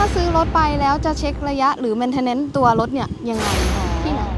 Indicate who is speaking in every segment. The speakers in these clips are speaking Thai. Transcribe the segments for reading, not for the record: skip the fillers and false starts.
Speaker 1: ถ้าซื้อรถไปแล้วจะเช็คระยะหรือ maintenance ตัวรถเนี่ยยังไงที่ไหน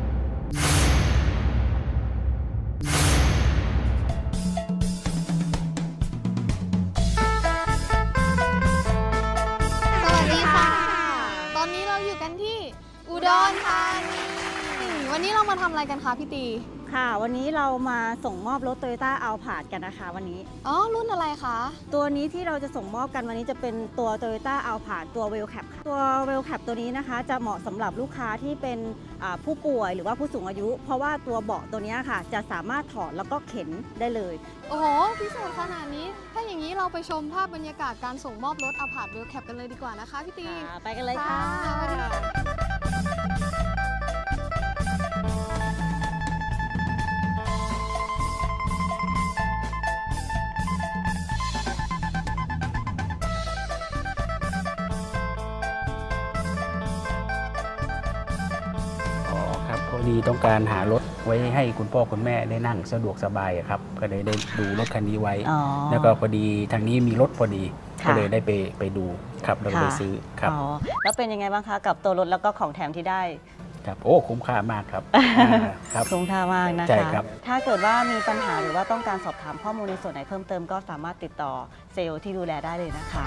Speaker 1: สวัสดีค่ะตอนนี้เราอยู่กันที่อุดรธานีวันนี้เรามาทำอะไรกันคะพี่ตี
Speaker 2: ค่ะวันนี้เรามาส่งมอบรถ Toyota Alphard กันนะคะวันนี้
Speaker 1: รุ่นอะไรคะ
Speaker 2: ตัวนี้ที่เราจะส่งมอบกันวันนี้จะเป็นตัว Toyota Alphard ตัว Wellcap ค่ะตัว Wellcap ตัวนี้นะคะจะเหมาะสำหรับลูกค้าที่เป็นผู้ป่วยหรือว่าผู้สูงอายุ เพราะว่าตัวเบาะตัวนี้ค่ะจะสามารถถอดแล้วก็เข็นได้เลย
Speaker 1: โอ้โหพิเศษขนาดนี้ถ้าอย่างนี้เราไปชมภาพบรรยากาศการส่งมอบรถ Alphard Wellcap กันเลยดีกว่านะคะพี่ตี
Speaker 2: ไปกันเลยค่ะ
Speaker 3: พอดีต้องการหารถไว้ให้คุณพ่อคุณแม่ได้นั่งสะดวกสบายครับก็เลยได้ดูรถคันนี้ไว้แล้วก็พอดีทางนี้มีรถพอดีก็เลยได้ไปดูครับแล้วก็ไปซื้อครับ
Speaker 2: แล้วเป็นยังไงบ้างคะกับตัวรถแล้วก็ของแถมที่ได้
Speaker 3: ครับโอ้คุ้มค่ามากครับ
Speaker 2: คุ้มค่ามากนะคะ
Speaker 3: ใช่ครับ
Speaker 2: ถ้าเกิดว่ามีปัญหาหรือว่าต้องการสอบถามข้อมูลในส่วนไหนเพิ่มเติมก็สามารถติดต่อเซลล์ที่ดูแลได้เลยนะคะ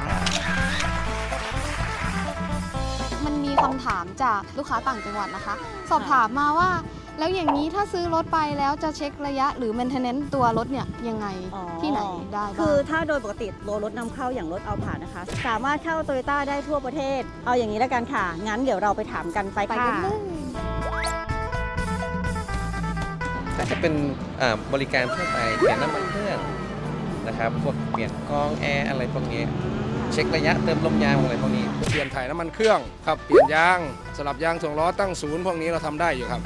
Speaker 1: มันมีคำถามจากลูกค้าต่างจังหวัดนะคะสอบถามมาว่าแล้วอย่างนี้ถ้าซื้อรถไปแล้วจะเช็คระยะหรือ maintenance ตัวรถเนี่ยยังไงที่ไหนได้บ้าง
Speaker 2: คือถ้าโดยปกติรถนำเข้าอย่างรถAlphardนะคะสามารถเข้า Toyota ได้ทั่วประเทศเอาอย่างนี้แล้วกันค่ะงั้นเดี๋ยวเราไปถามกันไปค่ะ
Speaker 4: ก็จะเป็นบริการทั่วไปเปลี่ยนน้ำมันเครื่องนะครับพวกเปลี่ยนกรองแอร์อะไรพวกนี้เช็คระยะเติมลมยางอะไรพวกนี้
Speaker 5: เปลี่ยนถ่ายน้ำมันเครื่องครับเปลี่ยนยางสลับยางถ่วงล้อตั้งศูนย์พวกนี้เราทำได้อยู่ครับ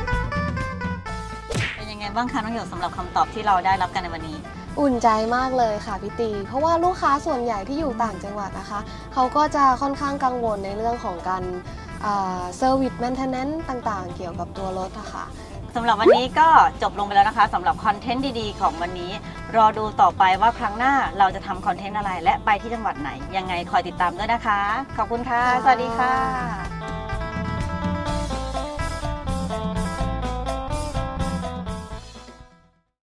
Speaker 2: เป็นยังไงบ้างคะน้องหยกสำหรับคำตอบที่เราได้รับกันในวันนี้
Speaker 1: อุ่นใจมากเลยค่ะพี่ตีเพราะว่าลูกค้าส่วนใหญ่ที่อยู่ต่างจังหวัดนะคะเขาก็จะค่อนข้างกังวลในเรื่องของการเซอร์วิสแมนเทนแนนซ์ต่างๆเกี่ยวกับตัวรถอะค่ะ
Speaker 2: สำหรับวันนี้ก็จบลงไปแล้วนะคะสำหรับคอนเทนต์ดีๆของวันนี้รอดูต่อไปว่าครั้งหน้าเราจะทำคอนเทนต์อะไรและไปที่จังหวัดไหนยังไงคอยติดตามด้วยนะคะขอบคุณค่ะสวัสดีค่ะ